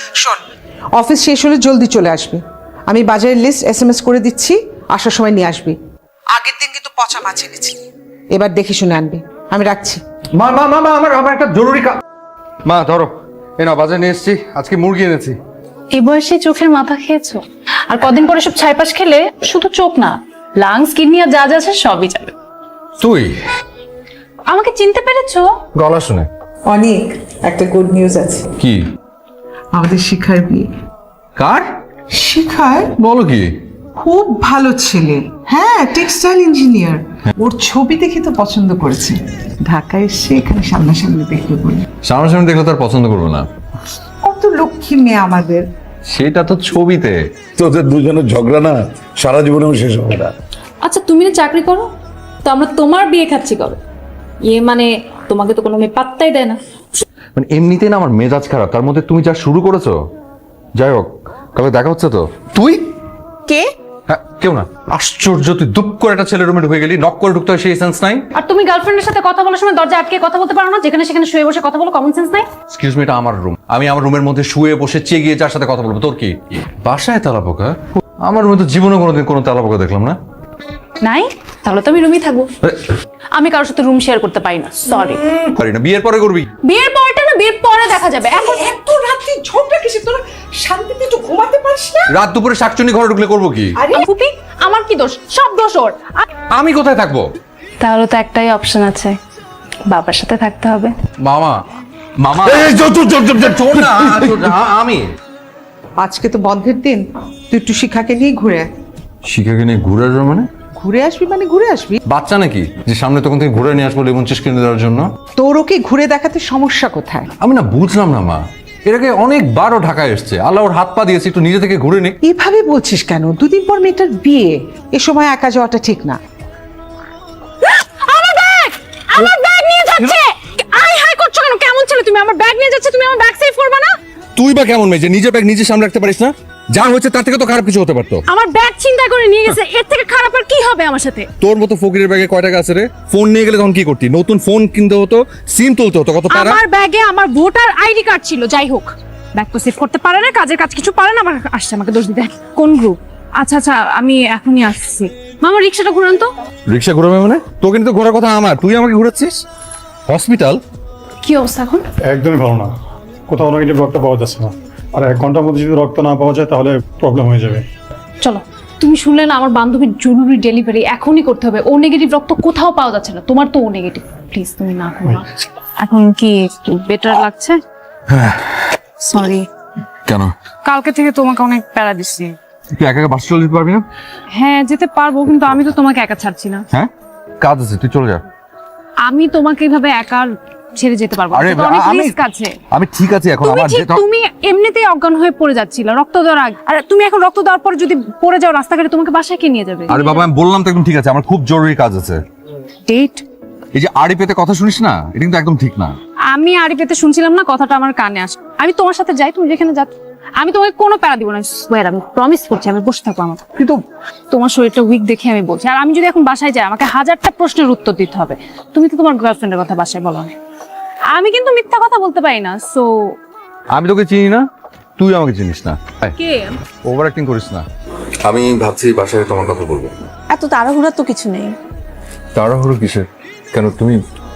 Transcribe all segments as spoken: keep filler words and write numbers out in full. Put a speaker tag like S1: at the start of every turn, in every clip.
S1: শোন, অফিস শেষ হলে জলদি চলে আসবি। আমি বাজারের লিস্ট এস এম এস করে দিচ্ছি, আসার সময় নিয়ে আসবি। আগের দিন কিন্তু পচা মাছ এনেছি, এবার দেখে শুনে আনবি। আমি রাখছি।
S2: মা মা মা মা, আমার আমার একটা জরুরি কাজ। মা ধরো, এই নাও বাজারে নিয়ে এসেছি, আজকে মুরগি এনেছি।
S3: এই বয়সে চোখের মাথা খেয়েছো, আর কদিন পরে সব ছাইপাশ খেলে শুধু চোখ না, লাংস কিডনি আর যা যা আছে সবই যাবে।
S2: তুই
S3: আমাকে চিনতে পেরেছো?
S2: গলা শুনে
S1: অনেক একটা গুড নিউজ আছে।
S2: কি?
S1: আমাদের শিখার বিয়ে।
S2: কার?
S1: শিখায়
S2: বলো কি?
S1: খুব ভালো ছেলে, হ্যাঁ টেক্সটাইল ইঞ্জিনিয়ার। ওর ছবি দেখে তো পছন্দ করেছে, ঢাকায় এসে এখানে সামনাসামনি দেখবে বলে।
S2: সামনাসামনি দেখলে তার পছন্দ করবো না।
S1: কত লক্ষ্মী মেয়ে আমাদের।
S2: সেটা তো ছবিতে।
S4: তোদের দুজনের ঝগড়া না সারা জীবনেও শেষ হবে না।
S5: আচ্ছা তুমি না চাকরি করো, তো আমরা তোমার বিয়ে খাচ্ছি করো। ইয়ে মানে তোমাকে তো কোনো মেয়ে পাত্তাই দেয় না।
S2: মানে এমনিতেই না আমার মেজাজ খারাপ, তার মধ্যে তুমি যা শুরু করেছো। যাই হোক, কালকে দেখা হচ্ছে তো। তুই
S3: কে?
S2: হ্যাঁ কেউ না। আশ্চর্য, তুই দুপ করে একটা ছেলের রুমে ঢুকে গেলি, নক করে ঢুকতে হয় সেই সেন্স নাই।
S5: আর তুমি গার্লফ্রেন্ডের সাথে কথা বলার সময় দরজা আটকে কথা বলতে পারো না, যেখানে সেখানে শুয়ে বসে কথা বলো, কমন সেন্স নাই?
S2: এক্সকিউজ মি, এটা আমার রুম, আমি আমার রুমের মধ্যে শুয়ে বসে চেয়ে যার সাথে কথা বলবো, তোর কি? বাসায় তেলাপোকা? আমার রুমে তো জীবনে কোনোদিন কোনো তেলাপোকা দেখলাম না।
S5: নাই? তাহলে তো আমি রুমই থাকবো। আমি কারোর সাথে রুম শেয়ার করতে পারি না, সরি।
S2: পারি না, বিয়ের পরে করবি।
S5: বিয়ের পরটা না, বিয়ের পরে দেখা যাবে। এখন
S1: এত রাত্রি ঝগড়া কিসে? তোরা শান্তিতে একটু ঘুমাতে পারিস না?
S2: রাত দুপুরে শাকচুনি ঘরে ঢুকলে করবো কি?
S1: আরে
S5: ফুপি, আমার কি দোষ? সব দোষ ওর।
S2: আমি কোথায় থাকবো?
S3: তাহলে তো একটাই অপশন আছে, বাবার সাথে থাকতে হবে।
S2: মামা মামা
S4: এই চল চল চল চল চল।
S2: চল না, চল না, আমি
S1: আজকে তো বন্ধের দিন, তুই একটু শিখাকে নিয়ে ঘুরে আয়।
S2: শিখাকে নিয়ে ঘুরে আসবো মানে?
S1: ঘুরে আসবি মানে ঘুরে আসবি।
S2: বাচ্চা নাকি যে সামনে তখন থেকে ঘুরে নিয়ে আসবো লেমন চিজ কিনে দেওয়ার জন্য?
S1: তোর ওকে ঘুরে দেখাতে সমস্যা কোথায়?
S2: আমি না বুঝলাম না মা, এর আগে অনেকবারও ঢাকায় এসছে, আল্লাহ ওর হাত পা দিয়েছে, একটু নিজে থেকে ঘুরে নে।
S1: এভাবে বলছিস কেন? দুদিন পর মেয়েটার বিয়ে, এ সময় একা যাওয়াটা ঠিক না।
S5: আমার ব্যাগ, আমার ব্যাগ নিয়ে যাচ্ছে। আই হাই করছো কেন? কেমন ছেলে তুমি? আমার ব্যাগ নিয়ে যাচ্ছে, তুমি আমার ব্যাগ সেভ করবে না?
S2: তুই বা কেমন মেয়ে যে নিজের ব্যাগ নিজে সামনে রাখতে পারিস না? যা হয়েছে তার থেকে তো খারাপ কিছু হতে পারতো।
S5: আমার ব্যাগ চিন্তা করে নিয়ে গেছে, এর থেকে খারাপ আর কি হবে আমার সাথে?
S2: তোর মতো ফকিরের ব্যাগে কয় টাকা আছে রে? ফোন নিয়ে গেলে তখন কি করতি? নতুন ফোন কিনতে হতো, সিম তুলতে হতো, কত টাকা।
S5: আমার ব্যাগে আমার ভোটার আইডি কার্ড ছিল। যাই হোক, ব্যাগ তো সেভ করতে পারে না, কাজের কাজ কিছু পারে না, আবার আসছে আমাকে দোষ দিতে। কোন গ্রুপ? আচ্ছা আচ্ছা, আমি এখনই আসছি। মামা রিক্সাটা ঘুরান তো।
S2: রিক্সা ঘুরাবে মানে? তোকে কিন্তু ঘোরার কথা আমার, তুই আমাকে ঘুরাচ্ছিস। হসপিটাল
S5: কি অবস্থা এখন?
S6: একদমই ভালো না, কোথাও নেগেটিভ রক্ত পাওয়া যাচ্ছে না। আর এক ঘন্টার মধ্যে যদি রক্ত না পাওয়া যায় তাহলে প্রবলেম হয়ে যাবে।
S5: চলো, তুমি শুনলে না আমার বান্ধবীর জরুরি ডেলিভারি এখনই করতে হবে। ও নেগেটিভ রক্ত কোথাও পাওয়া যাচ্ছে না, তোমার তো ও নেগেটিভ। প্লিজ তুমি না করো। এখন কি একটু বেটার লাগছে? সরি।
S2: কেন?
S5: কালকে থেকে তোমাকে অনেক প্যারা দিচ্ছি।
S2: তুই একা একা বাস চলে যেতে পারবি না?
S5: হ্যাঁ যেতে পারবো, কিন্তু আমি তো তোমাকে একা ছাড়ছি না।
S2: হ্যাঁ কাজ আছে, তুই চলে যা।
S5: আমি তোমাকে এইভাবে একা ছেড়ে যেতে পারবো না,
S2: আরে
S5: এটা তো অনেক
S2: আমি
S5: রিস্ক আছে।
S2: আমি ঠিক আছি এখন।
S5: তুমি
S2: আমার
S5: ঠিক,
S2: যেটা-
S5: তুমি এমনিতেই অজ্ঞান হয়ে পড়ে যাচ্ছিল রক্ত দেওয়ার আগে। আর তুমি এখন রক্ত দেওয়ার পর যদি পড়ে যাও রাস্তাঘাটে, তোমাকে বাসায় কে নিয়ে যাবে?
S2: আরে বাবা আমি বললাম তো একদম ঠিক আছে, আমার খুব জরুরি কাজ আছে।
S5: ডেট?
S2: এই যে আড়ি পেতে কথা শুনিস না, এটা কিন্তু একদম ঠিক না।
S5: আমি আড়ি পেতে শুনছিলাম না, কথাটা আমার কানে আসে। আমি তোমার সাথে যাই, তুমি যেখানে যাচ্ছ। আমি তোমাকে কোনো প্যারা দিব না, সোয়ার, আমি প্রমিস করছি। আমি বসে থাকবো আমার, কিন্তু তোমার শরীরটা উইক দেখে আমি বলছি। আর আমি যদি এখন বাসায় যাই, আমাকে হাজারটা প্রশ্নের উত্তর দিতে হবে। তুমি তো তোমার গার্লফ্রেন্ডের কথা বাসায় বলো না। আমি কিন্তু মিথ্যা কথা বলতে পারি না। সো
S2: আমি তোকে চিনি না, তুই আমাকে চিনিস না।
S5: কে?
S2: ওভার অ্যাক্টিং করিস না। আমি ভাবছি বাসায় তোমার কথা বলবো।
S3: এত তাড়াহুড়া তো কিছু নেই।
S2: তাড়াহুড়ো কিসের? কেন তুমি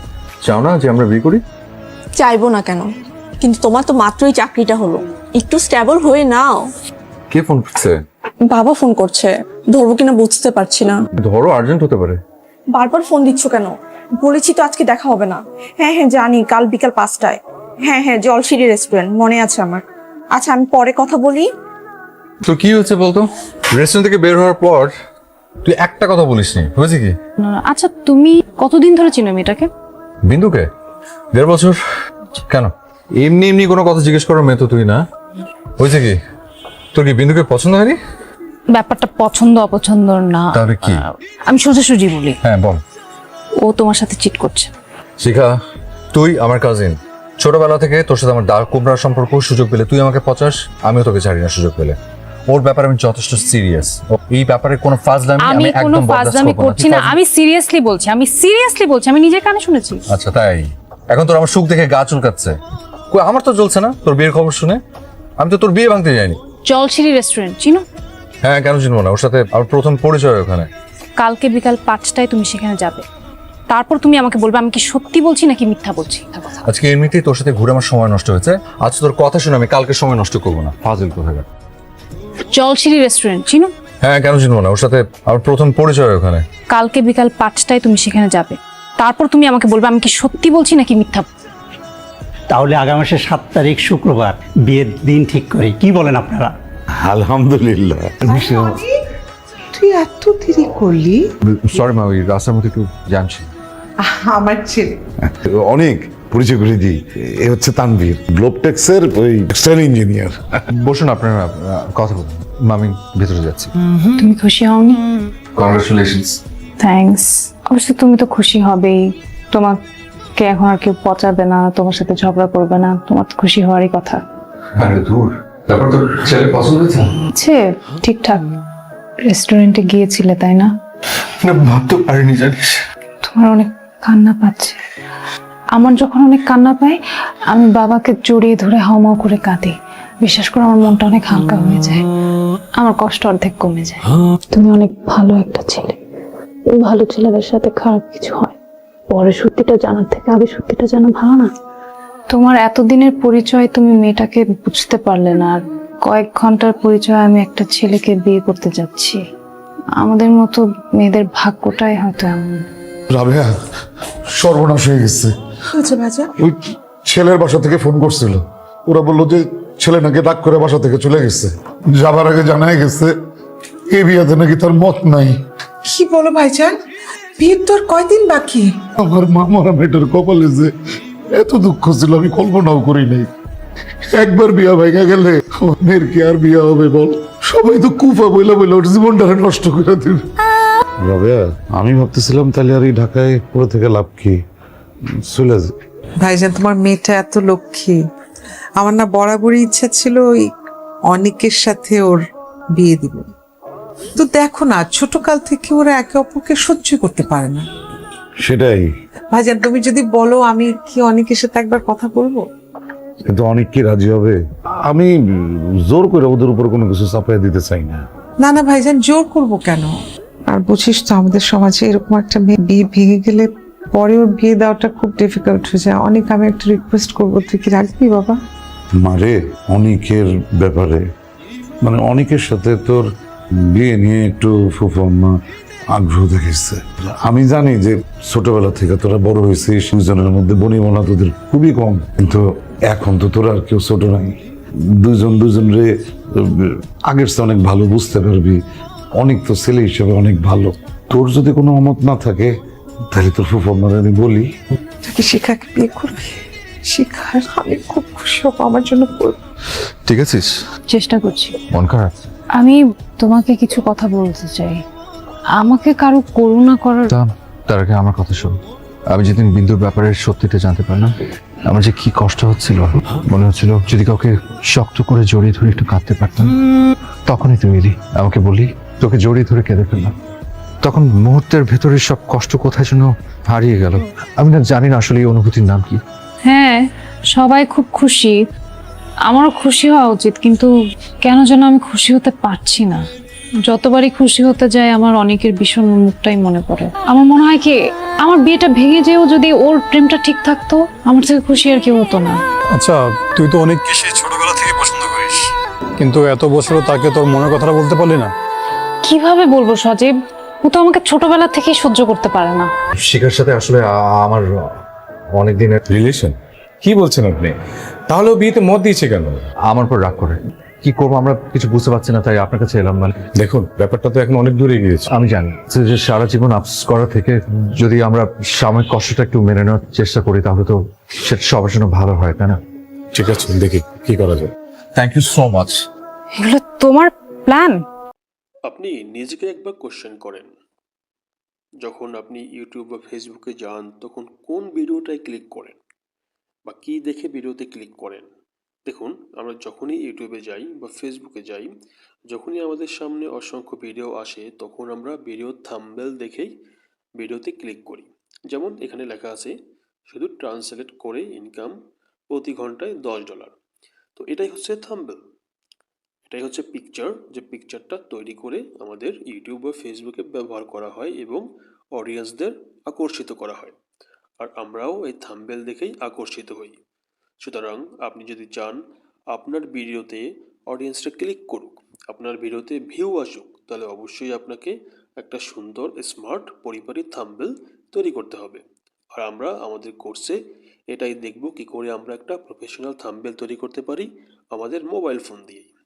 S2: চাও না যে আমরা বিয়ে করি?
S7: চাইবো না কেন, কিন্তু তোমার তো মাত্রই চাকরিটা হলো, একটু স্টেবল হয়ে নাও।
S2: কে ফোন করছে?
S7: বাবা ফোন করছে, ধরবো কিনা বুঝতে পারছি না।
S2: ধরো, আর্জেন্ট হতে পারে।
S7: বারবার ফোন দিচ্ছ কেন? বলেছি তো আজকে দেখা হবে না। হ্যাঁ হ্যাঁ জানি, কাল বিকাল পাঁচটায়। হ্যাঁ হ্যাঁ জলশিরি রেস্টুরেন্ট, মনে আছে আমার। আচ্ছা আমি পরে কথা বলি।
S2: তো কি হচ্ছে বলতো? রেস্টুরেন্ট থেকে বের হওয়ার পর তুই একটা কথা বলিসনি, হয়েছে কি?
S5: না, না, আচ্ছা তুমি কতদিন ধরে চিনো মেয়েটাকে?
S2: বিন্দুকে? দেড় বছর। কেন এমনি এমনি কোনো কথা জিজ্ঞেস করার মেয়ে তো তুই না। হয়েছে কি? তোর কি বিন্দুকে পছন্দ হয়নি?
S5: ব্যাপারটা পছন্দ অপছন্দ না,
S2: তাহলে কি?
S5: আমি সোজাসুজি বলি,
S2: হ্যাঁ বল।
S5: ও তোমার সাথে চিট করছে।
S2: শিখা, তুই আমার কাজিন, ছোটবেলা থেকে তোর সাথে আমার দাগ কোবরার সম্পর্ক। সুযোগ পেলে তুই আমাকে পচাস, আমিও তোকে ছাড়ি না সুযোগ পেলে। ওর ব্যাপারে আমি যথেষ্ট সিরিয়াস। এই ব্যাপারে কোনো ফাজলামি
S5: আমি
S2: আমি
S5: কোনো
S2: একদম বরদাস্ত
S5: ফাজলামি
S2: করব না।
S5: করছি না, আমি সিরিয়াসলি বলছি, আমি সিরিয়াসলি বলছি, আমি নিজের কানে শুনেছি।
S2: আচ্ছা তাই? এখন তোর আমার সুখ দেখে গা চুলকাচ্ছে। কই আমার তো জ্বলছে না তোর বিয়ের খবর শুনে। আমি তো তোর বিয়ে ভাঙতে যাইনি।
S5: জলশিরি রেস্টুরেন্ট চিনো?
S2: হ্যাঁ, কেন চিনবো না? ওর সাথে আমার প্রথম পরিচয় ওখানে।
S5: কালকে বিকাল পাঁচটায় তুমি সেখানে যাবে, তারপর তুমি আমাকে বলবে আমি কি সত্যি বলছি নাকি মিথ্যা বলছি।
S2: আজকে এমনিতেই তোর সাথে ঘুরে আমার সময় নষ্ট হয়েছে, আজ তোর কথা শুনে আমি কালকে সময় নষ্ট করবো না। ফাজিল কোথাকার।
S5: জলশিরি রেস্টুরেন্ট চিনো?
S2: হ্যাঁ, কেন চিনবো না? ওর সাথে আমার প্রথম পরিচয় ওখানে।
S5: কালকে বিকাল পাঁচটায় তুমি সেখানে যাবে, তারপর তুমি আমাকে বলবে আমি কি সত্যি বলছি নাকি মিথ্যা।
S8: তাহলে আগামী মাসের সাত তারিখ শুক্রবার বিয়ের দিন ঠিক করি, কি বলেন আপনারা?
S4: আলহামদুলিল্লাহ।
S1: তুই এত দেরি করলি?
S2: সরি মা, ওই রাস্তার মধ্যে একটু জানছি।
S1: আমার ছেলে
S4: অনেক পরিচয় করে দিই, এ হচ্ছে তানভীর, গ্লোবটেক্সের ওই টেক্সটাইল ইঞ্জিনিয়ার।
S2: বসুন, আপনারা আহ, কথা বলুন। মা, আমি ভেতরে যাচ্ছি।
S5: তুমি খুশি হওনি?
S2: কংগ্রেচুলেশনস।
S5: থ্যাঙ্কস। অবশ্য তুমি তো খুশি হবেই, তোমাকে এখন আর কেউ পচাবে না, তোমার সাথে ঝগড়া করবে না, তোমার তো খুশি হওয়ারই কথা।
S2: আরে দূর, তারপর তোর ছেলে পছন্দ হয়েছে?
S5: আছে ঠিকঠাক। রেস্টুরেন্টে গিয়েছিলে তাই না?
S2: না, ভাবতে পারিনি জানিস।
S5: তোমার অনেক কান্না পাচ্ছে। আমার যখন অনেক কান্না পায় আমি বাবাকে জড়িয়ে ধরে হাউমাউ করে কাঁদি। বিশ্বাস করো আমার মনটা অনেক হালকা হয়ে যায়, আমার কষ্ট অর্ধেক কমে যায়। তুমি অনেক ভালো একটা ছেলে। ভালো ছেলেদের সাথে খারাপ কিছু হয়, পরে সত্যিটা জানার থেকে আগে সত্যিটা জানা ভালো না? তোমার এতদিনের পরিচয় তুমি মেয়েটাকে বুঝতে পারলে না, আর কয়েক ঘন্টার পরিচয় আমি একটা ছেলেকে বিয়ে করতে যাচ্ছি। আমাদের মতো মেয়েদের ভাগ্যটাই হয়তো এমন।
S4: রাবেয়া, সর্বনাশ হয়ে গেছে।
S1: আচ্ছা ভাজা,
S4: ওই ছেলের বাসা থেকে ফোন করছিল, ওরা বললো যে ছেলে নাকি ডাক করে বাসা থেকে চলে গেছে। যাবার আগে জানাই গেছে এই বিয়াতে নাকি তার মত নাই।
S1: কি বলো ভাইজান? বিয়ের তো আর কয়দিন বাকি।
S4: আমার মা মরা মেয়েটার কপালে যে এত দুঃখ ছিল আমি কল্পনাও করি নাই। একবার বিয়া ভেঙে গেলে আমার মেয়ের কি আর বিয়া হবে বল? সবাই তো কুফা বইলা বইলা ওর জীবনটা নষ্ট করে দিবে। রাবেয়া, আমি ভাবতেছিলাম তাহলে আর এই ঢাকায় পড়ে থেকে লাভ কি, চলে যা।
S1: ভাইজান, তোমার মেয়েটা এত লক্ষ্মী। আমার না বরাবরই ইচ্ছা ছিল ওই অনেকের সাথে ওর বিয়ে দিব। তো দেখো না, ছোট কাল থেকে ওরা একে অপরকে সহ্য করতে পারে না।
S4: সেটাই।
S1: ভাইজান, তুমি যদি বলো আমি কি অনেকের সাথে একবার কথা বলবো?
S4: কিন্তু অনেক কি রাজি হবে? আমি জোর করে ওদের উপর কোনো কিছু চাপাই দিতে চাই না।
S1: না না ভাইজান, জোর করব কেন? আর বুঝিস তো আমাদের সমাজে এরকম একটা মেয়ে বিয়ে ভেঙে গেলে পরে ওর বিয়ে দেওয়াটা খুব ডিফিকাল্ট হয়ে যায়। অনেক, আমি একটা রিকোয়েস্ট করবো, তুই কি রাখবি বাবা?
S4: মারে, অনেকের ব্যাপারে মানে অনেকের সাথে তোর বিয়ে নিয়ে একটু ফুফাম্মা আগ্রহ দেখেছে। আমি জানি যে ছোটবেলা থেকে তোরা বড় হয়েছিস, দুজনের মধ্যে বনিবনা তোদের খুবই কম, কিন্তু এখন তো তোরা আর কেউ ছোট নাই। দুজন দুজনরে আগের চেয়ে অনেক ভালো বুঝতে পারবি। অনেক তো ছেলে হিসেবে অনেক ভালো। তোর যদি কোনো অমত না থাকে তাহলে তোর ফুফাম্মার আমি বলি
S1: তুই শিখাকে বিয়ে করবি? শিখার আমি খুব খুশি হবো, আমার জন্য করবি।
S2: ঠিক আছিস?
S5: চেষ্টা করছি।
S2: মন খারাপ?
S5: আমি তোমাকে কিছু কথা বলতে চাই। আমাকে কারো করুণা করার
S2: তা তার আগে আমার কথা শোন। আমি যেদিন বিন্দুর ব্যাপারে সত্যিটা জানতে পারলাম, আমার যে কি কষ্ট হচ্ছিল, মনে হচ্ছিল যদি কাউকে শক্ত করে জড়িয়ে ধরে একটু কাঁদতে পারতাম। তখনই তুমি এলি, আমাকে বলি, তোকে জড়িয়ে ধরে কেঁদে ফেললাম। তখন মুহূর্তের ভেতরে সব কষ্ট কোথায় যেন হারিয়ে গেল। আমি না জানি না আসলে এই অনুভূতির নাম কি।
S5: হ্যাঁ, সবাই খুব খুশি, আমারও খুশি হওয়া উচিত, কিন্তু কেন যেন আমি খুশি হতে পারছি না। যতবারই খুশি হতে যায় আমার অনেকের ভীষণ মুখটাই মনে পড়ে। আমার মনে হয় কি আমার বিয়েটা ভেঙে যেও যদি ওর প্রেমটা ঠিক থাকতো, আমার থেকে খুশি আর কেউ হতো না।
S6: আচ্ছা, তুই তো অনেককে সেই ছোটবেলা থেকে পছন্দ করিস, কিন্তু এত বছরও তাকে তোর মনের কথাটা বলতে পারলি না।
S5: কিভাবে বলবো সজীব? ও তো আমাকে ছোটবেলা থেকেই সহ্য করতে পারে না।
S2: শিখার সাথে আসলে আ- আমার অনেক দিনের
S9: রিলেশন? কি বলছেন আপনি? তাহলে ও বিয়েতে মত দিয়েছে কেন?
S2: আমার উপর রাগ করে। কি করবো আমরা কিছু বুঝতে পারছি না, তাই আপনার কাছে এলাম। মানে
S9: দেখুন, ব্যাপারটা তো এখন অনেক দূরে গিয়েছে।
S2: আমি জানি যে সারা জীবন আফসোস করা থেকে যদি আমরা সাময়িক কষ্টটা একটু মেনে নেওয়ার চেষ্টা করি তাহলে তো সেটা সবার জন্য ভালো হয়, তাই না?
S9: ঠিক আছে, দেখি কি করা যায়।
S2: Thank you so much.
S5: এগুলো তোমার প্ল্যান?
S10: আপনি নিজেকে একবার কোশ্চেন করেন, যখন আপনি ইউটিউব বা ফেসবুকে যান তখন কোন ভিডিওটায় ক্লিক করেন বা কী দেখে ভিডিওতে ক্লিক করেন? দেখুন, আমরা যখনই ইউটিউবে যাই বা ফেসবুকে যাই, যখনই আমাদের সামনে অসংখ্য ভিডিও আসে তখন আমরা ভিডিওর থাম্বনেল দেখেই ভিডিওতে ক্লিক করি। যেমন এখানে লেখা আছে শুধু ট্রান্সলেট করে ইনকাম প্রতি ঘন্টায় দশ ডলার। তো এটাই হচ্ছে থাম্বনেল, এটাই হচ্ছে পিকচার, যে পিকচারটা তৈরি করে আমাদের ইউটিউব বা ফেসবুকে ব্যবহার করা হয় এবং অডিয়েন্সদের আকর্ষিত করা হয়। আর আমরাও এই থাম্বনেল দেখেই আকর্ষিত হই। সুতরাং আপনি যদি চান আপনার ভিডিওতে অডিয়েন্সটা ক্লিক করুক, আপনার ভিডিওতে ভিউ আসুক, তাহলে অবশ্যই আপনাকে একটা সুন্দর স্মার্ট পরিপাটি থাম্বনেল তৈরি করতে হবে। আর আমরা আমাদের কোর্সে এটাই দেখব কি করে আমরা একটা প্রফেশনাল থাম্বনেল তৈরি করতে পারি আমাদের মোবাইল ফোন দিয়েই।